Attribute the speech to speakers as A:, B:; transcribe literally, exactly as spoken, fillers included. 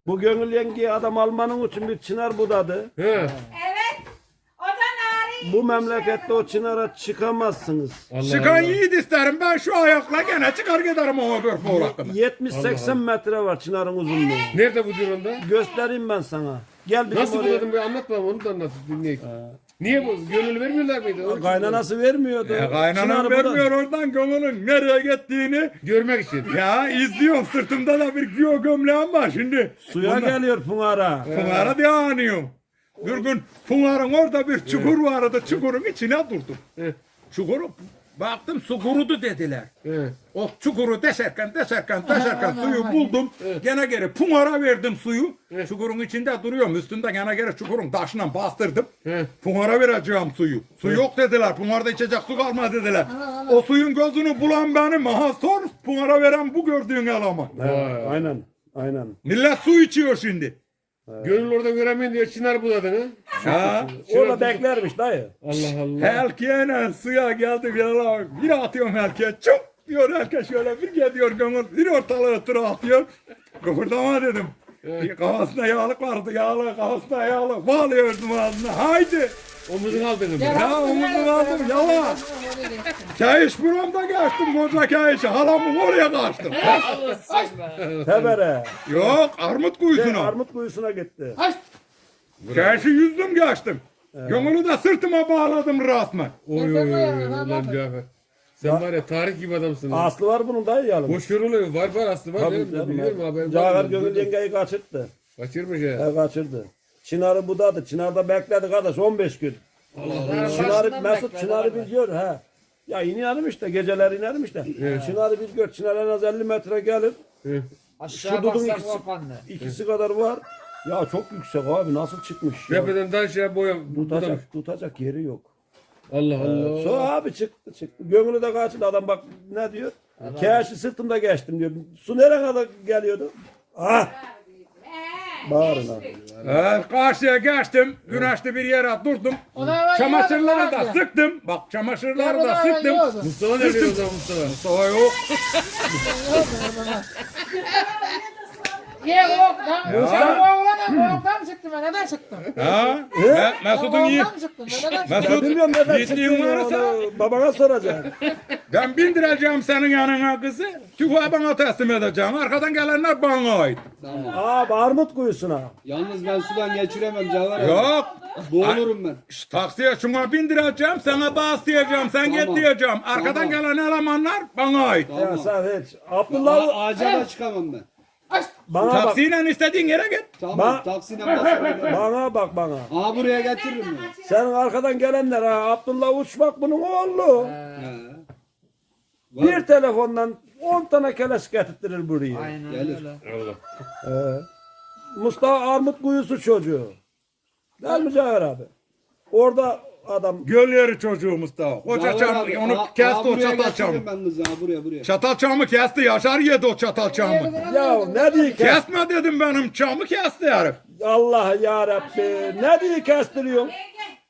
A: Bu Gönül yengeyi adam almanın için bir çınar budadı.
B: He.
C: Evet. O da narin.
A: Bu memlekette o çınara çıkamazsınız.
B: Allah
D: Çıkan
B: Allah.
D: yiğit isterim ben şu ayakla gene çıkar giderim o öbür muğlakına.
A: yetmiş seksen metre var çınarın uzunluğu.
B: Nerede bu durumda?
A: Göstereyim ben sana. Gel bizim
B: Nasıl
A: oraya.
B: buladın bir anlat bana onu da anlat dinleyelim. Niye bu? Gönül vermiyorlar mıydı? Onun için
A: Kaynanası vermiyordu.
D: E, kaynanam
A: Çınarı budadı.
D: vermiyor oradan gönlünün nereye gittiğini.
B: görmek için.
D: Ya izliyorum sırtımda da bir giyo gömleğim var şimdi.
A: Suya geliyor Pınar'a.
D: Pınar'a diye anıyorum. Bir gün Pınar'ın orada bir çukur vardı. Çukurun içine durdum.
B: He.
D: Çukuru baktım su kurudu dediler.
B: He.
D: O çukuru deşerken deşerken deşerken suyu buldum. Gene geri Pınar'a verdim suyu. Çukurun içinde duruyorum. Üstünde gene geri çukurun taşına bastırdım.
B: He.
D: Pınar'a vereceğim suyu. Su yok dediler. Pınar'da içecek su kalmadı dediler. O suyun gözünü bulan benim. Aha sor Pınar'a veren bu gördüğün eleman.
A: Evet, aynen. Aynen.
D: Millet su içiyor şimdi.
B: Gönül orada göremeyin diye çınar buladın ha.
D: Ha?
A: Orada beklermiş dayı.
B: Allah Allah.
D: Helkiyeyle suya geldi bir ara. Bir atıyorum helkiye. Çok diyor herkes şöyle bir gidiyor gönül. Bir ortalığı tura atıyor. Kıpırdama dedim. Kafasında yağlık vardı. Yağlı kafasında yağlı. Bağlıyordum ağzına. Haydi.
B: Omuzunu aldın mı?
D: Ya omuzunu aldım yala. Kayış buramda geçtim koca kayışı. Halamın oraya kaçtım.
A: Tebere.
D: Yok armut
A: Şey,
D: kuyusuna.
A: armut kuyusuna gitti.
D: Kayışı yüzdüm geçtim. Gönülü de sırtıma bağladım resmen.
B: Oy oy oy oy. Ulan Cafer. Sen var ya tarih gibi adamsın. ha.
A: Aslı var bunun dayı yalın.
B: Boş oluyor. Var var aslı var.
A: Tabii
B: Tabii,
A: canım,
B: biliyorum haberim
A: Cafer
B: var.
A: Gönül yengeyi kaçırttı.
B: Kaçırmış ya.
A: He kaçırdı. Çınarı budadı. Çınar'da bekledi kardeş on beş gün. Çınarı Mesut Çınar'ı bir gör he. Ya iniyorum işte geceler inerim işte. Çınar'ı bir gör. Çınar en az elli metre gelir.
B: He.
E: Aşağı
A: Şu dudun
E: baksak
A: ikisi,
E: kapandı.
A: ikisi kadar var. Ya çok yüksek abi nasıl çıkmış ya.
B: Tepeden daha şey boya.
A: Tutacak, tutacak yeri yok.
B: Allah Allah.
A: Sonra abi çıktı çıktı. Gönlü de kaçtı adam bak ne diyor. Keşi sırtımda geçtim diyor. Su nereye kadar geliyordu? Ah! Bağırın abi.
D: Evet, karşıya geçtim. Güneşli bir yere durdum. Çamaşırları da sıktım. Bak çamaşırları da sıktım.
B: Mustafa ne diyor o zaman Mustafa?
D: Mustafa yok.
E: Ye yok lan. Sen bu oğlana boğuktan çıktın ben neden çıktın?
D: Ha? Me- Mesut'un yiğit.
E: Boğuktan çıktın ben neden çıktın?
A: Ya
D: Mesut
A: bilmiyorum neden
D: yiğitliğin
A: çıktığını
D: varsa
A: onu babana soracağım.
D: ben bindireceğim senin yanına kızı. Tüfeği bana teslim edeceğim. Arkadan gelenler bana ait.
A: Abi armut kuyusuna.
F: Yalnız ben sudan geçiremem Caner abi.
D: Yok.
F: Boğulurum ben.
D: Şş, taksiye şuna bindireceğim. Sana bas diyeceğim. Sen git
F: Tamam.
D: diyeceğim. Arkadan
F: Tamam.
D: gelen elemanlar bana ait.
A: Ya
F: Tamam.
A: sen hiç. Abdullah
F: A- ağaca da çıkamam ben.
A: bana bak.
D: Taksiyle istediğin yere git.
F: Tamam
A: Ba-
F: taksiyle basarım.
A: Bana bak bana.
F: Aa buraya getiririm ben.
A: Senin arkadan gelenler ha Abdullah Uçmak bunun oğlu.
F: He.
A: Bir telefondan on tane keleş getirtirir buraya.
E: Aynen
F: Gelir.
E: öyle.
B: Allah.
A: Ee, Mustafa Armut kuyusu çocuğu. Değil mi Cafer abi? Orada adam
D: Göl yeri çocuğu Mustafa. Koca
F: Caner
D: çam
F: abi,
D: onu
F: aa-
D: kesti
F: aa,
D: o
F: buraya
D: çatal
F: getiririm
D: çamı.
F: ben kızı ha buraya buraya.
D: Çatal çamı kesti. Yaşar yedi o çatal çamı.
A: ya ne diye kes?
D: Kesme dedim benim çamı kesti herif.
A: Allah ya Rabbi ne diye kestiriyorsun?
C: Yenge.